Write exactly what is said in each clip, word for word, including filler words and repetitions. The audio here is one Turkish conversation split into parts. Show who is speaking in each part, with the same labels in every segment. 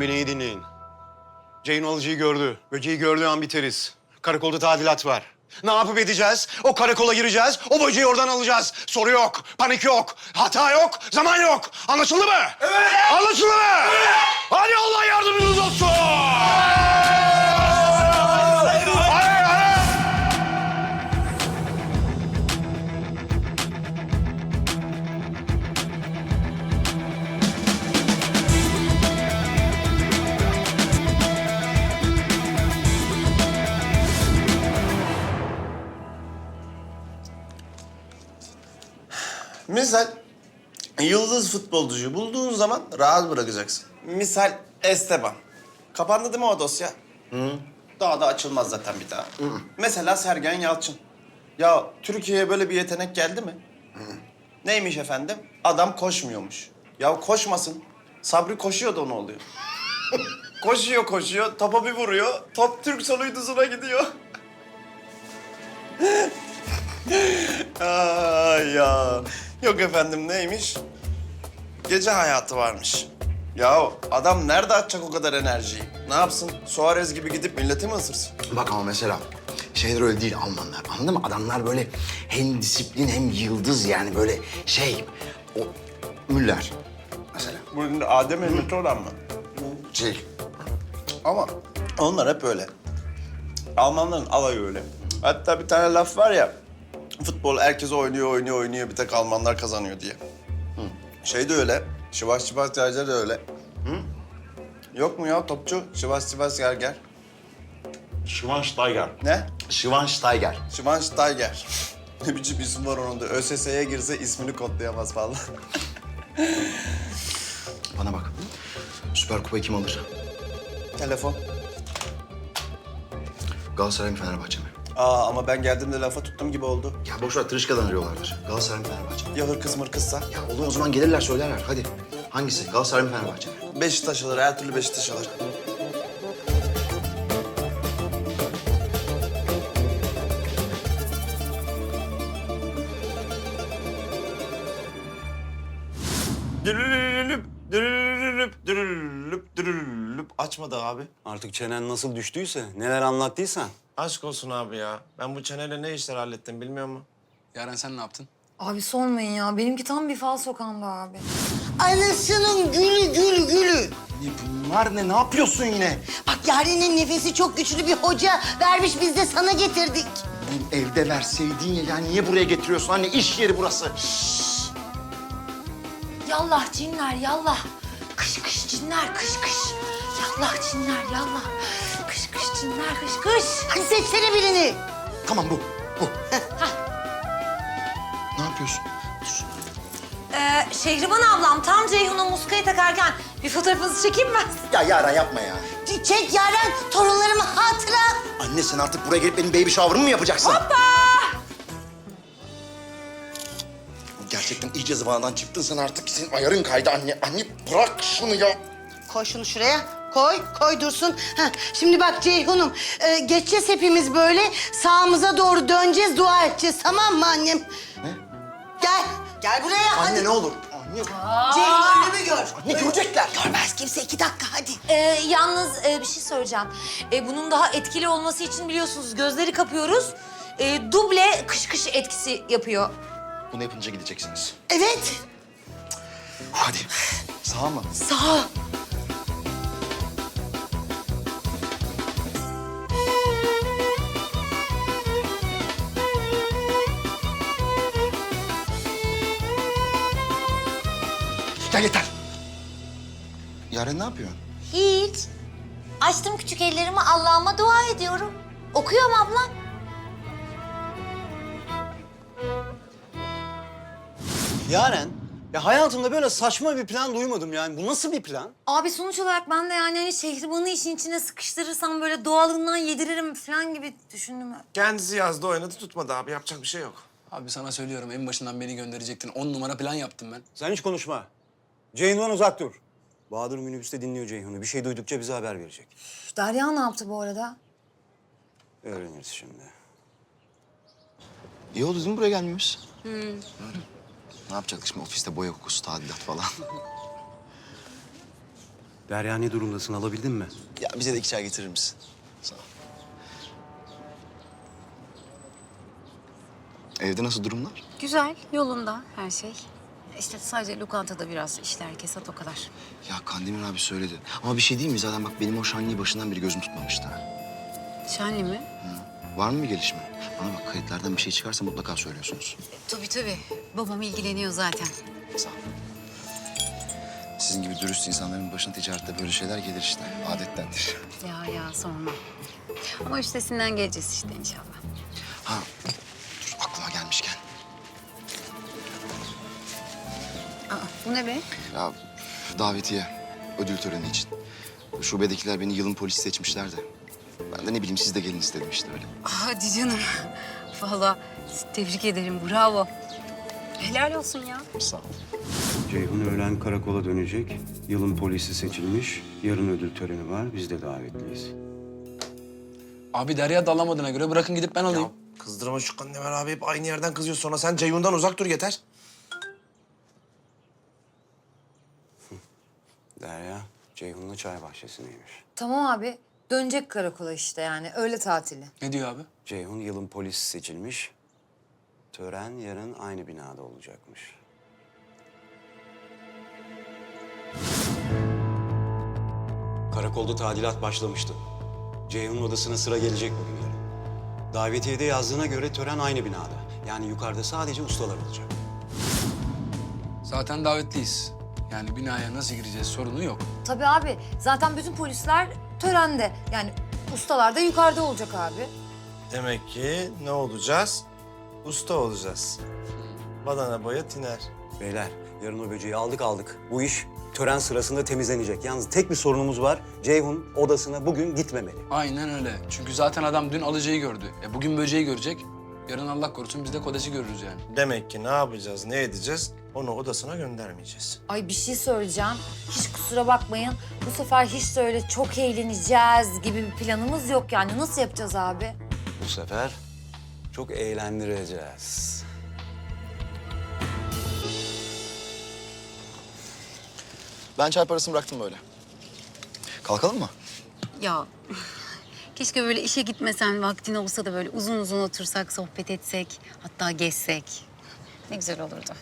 Speaker 1: beni iyi dinleyin. Ceyhun alıcıyı gördü. Böceği gördüğü an biteriz. Karakolda tadilat var. Ne yapıp edeceğiz? O karakola gireceğiz, o böceği oradan alacağız. Soru yok, panik yok, hata yok, zaman yok. Anlaşıldı mı? Evet! Anlaşıldı mı? Evet! Hadi Allah yardımcınız olsun! Hadi, hadi!
Speaker 2: Misal yıldız futbolcuyu bulduğun zaman rahat bırakacaksın. Misal Esteban. Kapandı değil mi o dosya? Hı. Daha da açılmaz zaten bir daha. Hı. Mesela Sergen Yalçın. Ya Türkiye'ye böyle bir yetenek geldi mi? Hı. Neymiş efendim? Adam koşmuyormuş. Ya koşmasın. Sabri koşuyor da ne oluyor? koşuyor koşuyor, topa bir vuruyor. Top Türk soluyduzuna gidiyor. Ay ya. Yok efendim neymiş? Gece hayatı varmış. Ya adam nerede atacak o kadar enerjiyi? Ne yapsın? Suarez gibi gidip milleti mi ısırsın?
Speaker 3: Bak ama mesela şeyler öyle değil Almanlar. Anladın mı? Adamlar böyle hem disiplin hem yıldız yani böyle şey... O Müller mesela.
Speaker 2: Bu Adem Emret'i olan mı?
Speaker 3: Şey,
Speaker 2: Ama onlar hep öyle. Almanların alayı öyle. Hatta bir tane laf var ya... Futbol herkes oynuyor, oynuyor, oynuyor. Bir tek Almanlar kazanıyor diye. Hı. Şey de öyle. Şivas Şivas Gerger de öyle. Hı? Yok mu ya topçu? Şivas Şivas Gerger.
Speaker 3: Schweinsteiger.
Speaker 2: Ne?
Speaker 3: Schweinsteiger.
Speaker 2: Schweinsteiger. Ne biçim isim var onun da. ÖSS'ye girse ismini kodlayamaz falan.
Speaker 3: Bana bak. Süper Kupayı kim alır?
Speaker 2: Telefon.
Speaker 3: Galatasaray mı Fenerbahçe mi?
Speaker 2: Aa ama ben geldiğimde lafa tuttum gibi oldu.
Speaker 3: Ya boş ver tırışkadan arıyorlardır. Galatasaray mı Fenerbahçe mi?
Speaker 2: Ya hırkız mırkızsa?
Speaker 3: Ya oğlum o zaman gelirler söylerler. Hadi. Hangisi? Galatasaray mı Fenerbahçe mi?
Speaker 2: Beşiktaş alır, her türlü Beşiktaş alır. Dürülülüp, dürülülüp, dürülülüp, dürülülüp. Açmadı abi.
Speaker 1: Artık çenen nasıl düştüyse, neler anlattıysan.
Speaker 2: Aşk olsun abi ya. Ben bu çeneyle ne işler hallettim bilmiyor musun?
Speaker 4: Yaren sen ne yaptın?
Speaker 5: Abi sormayın ya. Benimki tam bir fal sokağında abi.
Speaker 6: Anasının gülü gül gülü.
Speaker 3: Ne bunlar ne? Ne yapıyorsun yine?
Speaker 6: Bak Yaren'in nefesi çok güçlü bir hoca vermiş, biz de sana getirdik.
Speaker 3: Bu evde verseydin ya. Ya niye buraya getiriyorsun? Anne iş yeri burası.
Speaker 5: Yallah cinler yallah. Kış kış cinler kış kış. Yallah cinler yallah. Kış kış cinler kış kış.
Speaker 6: Hadi seçsene birini.
Speaker 3: Tamam bu. Bu. Ne yapıyorsun?
Speaker 5: Ee, Şehriban ablam tam Ceyhun'a muskayı takarken bir fotoğrafınızı çekeyim mi?
Speaker 3: Ya Yaren yapma ya.
Speaker 6: Çek Yaren, torunlarıma hatıra.
Speaker 3: Anne sen artık buraya gelip benim baby shower'ımı mı yapacaksın?
Speaker 5: Hoppa!
Speaker 3: Gerçekten iyice zıvanadan çıktın sen artık. Senin ayarın kaydı anne. Anne bırak şunu ya.
Speaker 6: Koy şunu şuraya. Koy, koy dursun. Heh, şimdi bak Ceyhun'um, e, geçeceğiz hepimiz böyle. Sağımıza doğru döneceğiz, dua edeceğiz. Tamam mı annem?
Speaker 3: Ne?
Speaker 6: Gel, gel buraya.
Speaker 3: Anne
Speaker 6: hadi.
Speaker 3: ne olur. Anne.
Speaker 6: Ceyhun ölümü gör.
Speaker 3: Ne görecekler?
Speaker 6: Görmez kimse, iki dakika hadi.
Speaker 5: Ee, yalnız e, bir şey söyleyeceğim. Ee, bunun daha etkili olması için biliyorsunuz gözleri kapıyoruz. Ee, duble kış kış etkisi yapıyor.
Speaker 3: Bunu yapınca gideceksiniz.
Speaker 6: Evet.
Speaker 3: Hadi. Sağ mı?
Speaker 5: Sağ ol.
Speaker 3: Ya yeter. Yaren ne yapıyor?
Speaker 5: Hiç. Açtım küçük ellerimi Allah'ıma dua ediyorum. Okuyorum ablam.
Speaker 1: Yaren, ya hayatımda böyle saçma bir plan duymadım yani. Bu nasıl bir plan?
Speaker 5: Abi sonuç olarak ben de yani hani Şehriban'ı işin içine sıkıştırırsam böyle doğalından yediririm falan gibi düşündüm.
Speaker 2: Kendisi yazdı, oynadı, tutmadı abi. Yapacak bir şey yok.
Speaker 4: Abi sana söylüyorum en başından beni gönderecektin. On numara plan yaptım ben.
Speaker 1: Sen hiç konuşma. Ceyhun'dan uzak dur. Bahadır minibüste dinliyor Ceyhun'u. Bir şey duydukça bize haber verecek.
Speaker 5: Derya ne yaptı bu arada?
Speaker 1: Öğreniriz şimdi.
Speaker 3: İyi oldu değil mi buraya gelmemiz? Hı. Ne yapacaktık şimdi ofiste boya kokusu, tadilat falan?
Speaker 1: Derya ne durumdasın? Alabildin mi?
Speaker 3: Ya bize de iki çay getirir misin? Sağ ol. Evde nasıl durumlar?
Speaker 7: Güzel, yolunda her şey. İşte sadece lokantada biraz işler kesat o kadar.
Speaker 3: Ya Kandemir abi söyledi. Ama bir şey değil mi? Zaten bak benim o Şanlı'yı başından beri gözüm tutmamıştı. ha.
Speaker 7: Şenli mi?
Speaker 3: Var mı bir gelişme? Bana bak kayıtlardan bir şey çıkarsa mutlaka söylüyorsunuz.
Speaker 7: Tabii tabii. Babam ilgileniyor zaten.
Speaker 3: Sağ ol. Sizin gibi dürüst insanların başına ticarette böyle şeyler gelir işte. Adettendir.
Speaker 7: Ya ya sorma. Ama üstesinden geleceğiz işte inşallah.
Speaker 3: Ha, dur aklıma gelmişken.
Speaker 7: Aa, bu ne be?
Speaker 3: Ya davetiye, ödül töreni için. Şubedekiler beni yılın polisi seçmişler de. Ben de ne bileyim siz de gelin istedim işte öyle.
Speaker 7: Hadi canım. Vallahi tebrik ederim, bravo. Helal olsun ya.
Speaker 3: Sağ ol.
Speaker 1: Ceyhun öğlen karakola dönecek. Yılın polisi seçilmiş. Yarın ödül töreni var. Biz de davetliyiz.
Speaker 4: Abi Derya da alamadığına göre bırakın gidip ben alayım.
Speaker 2: Kızdırma şu Kandemir abi, hep aynı yerden kızıyor. Sonra sen Ceyhun'dan uzak dur yeter.
Speaker 1: Derya, Ceyhun'la çay bahçesindeymiş.
Speaker 5: Tamam abi. Dönecek karakola işte yani. Öğle tatili.
Speaker 4: Ne diyor abi?
Speaker 1: Ceyhun yılın polisi seçilmiş. Tören yarın aynı binada olacakmış. Karakolda tadilat başlamıştı. Ceyhun'un odasına sıra gelecek bugün yarın. Davetiyede yazdığına göre tören aynı binada. Yani yukarıda sadece ustalar olacak.
Speaker 4: Zaten davetliyiz. Yani binaya nasıl gireceğiz sorunu yok.
Speaker 5: Tabii abi. Zaten bütün polisler törende. Yani ustalar da yukarıda olacak abi.
Speaker 2: Demek ki ne olacağız? Usta olacağız. Badana boya tiner.
Speaker 1: Beyler, yarın o böceği aldık aldık. Bu iş tören sırasında temizlenecek. Yalnız tek bir sorunumuz var. Ceyhun odasına bugün gitmemeli.
Speaker 4: Aynen öyle. Çünkü zaten adam dün alıcıyı gördü. E bugün böceği görecek. Yarın Allah korusun biz de kodesi görürüz yani.
Speaker 2: Demek ki ne yapacağız, ne edeceğiz? Onu odasına göndermeyeceğiz.
Speaker 5: Ay bir şey söyleyeceğim. Hiç kusura bakmayın. Bu sefer hiç de öyle çok eğleneceğiz gibi bir planımız yok yani. Nasıl yapacağız abi?
Speaker 1: Bu sefer çok eğlendireceğiz.
Speaker 3: Ben çay parasını bıraktım böyle. Kalkalım mı?
Speaker 7: Ya keşke böyle işe gitmesen, vaktin olsa da böyle uzun uzun otursak, sohbet etsek, hatta gezsek. Ne güzel olurdu.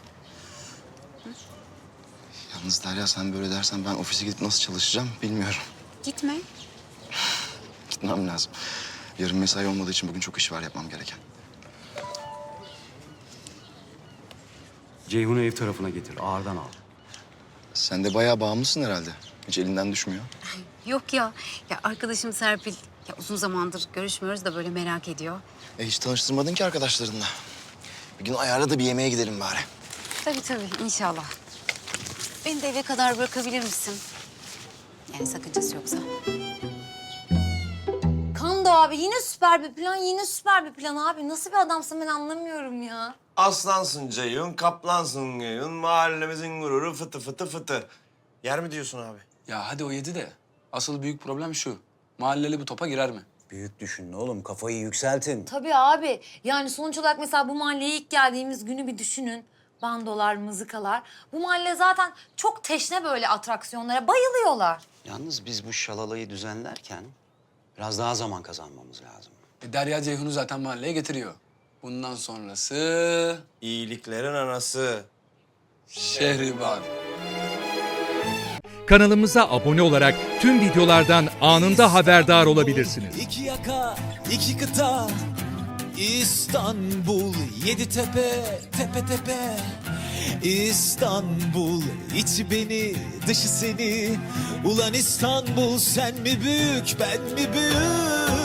Speaker 3: Yalnız Derya sen böyle dersen ben ofise gidip nasıl çalışacağım bilmiyorum.
Speaker 7: Gitme.
Speaker 3: Gitmem lazım. Yarın mesai olmadığı için bugün çok iş var yapmam gereken.
Speaker 1: Ceyhun'u ev tarafına getir, ağırdan al.
Speaker 3: Sen de bayağı bağımlısın herhalde. Hiç elinden düşmüyor.
Speaker 7: Yok ya. Ya arkadaşım Serpil, ya uzun zamandır görüşmüyoruz da böyle merak ediyor.
Speaker 3: E hiç tanıştırmadın ki arkadaşlarınla. Bir gün ayarla da bir yemeğe gidelim bari.
Speaker 7: Tabii tabii, inşallah. Beni de eve kadar bırakabilir misin? Yani sakıncası yoksa.
Speaker 5: Kando abi yine süper bir plan, yine süper bir plan abi. Nasıl bir adamsın ben anlamıyorum ya.
Speaker 2: Aslansın Ceyhun, kaplansın Ceyhun. Mahallemizin gururu fıtı fıtı fıtı. Yer mi diyorsun abi?
Speaker 4: Ya hadi o yedi de. Asıl büyük problem şu. Mahalleli bu topa girer mi?
Speaker 1: Büyük düşünün oğlum, kafayı yükseltin.
Speaker 5: Tabii abi. Yani sonuç olarak mesela bu mahalleye ilk geldiğimiz günü bir düşünün. Bandolar, mızıkalar. Bu mahalle zaten çok teşne böyle atraksiyonlara. Bayılıyorlar.
Speaker 1: Yalnız biz bu şalalayı düzenlerken biraz daha zaman kazanmamız lazım.
Speaker 4: E Derya Ceyhun'u zaten mahalleye getiriyor. Bundan sonrası
Speaker 2: İyiliklerin anası.
Speaker 4: Şehriban.
Speaker 8: Kanalımıza abone olarak tüm videolardan anında haberdar olabilirsiniz.
Speaker 9: İki yaka, iki kıta, İstanbul, yedi tepe, tepe tepe. İstanbul, içi beni, dışı seni. Ulan İstanbul, sen mi büyük, ben mi büyük?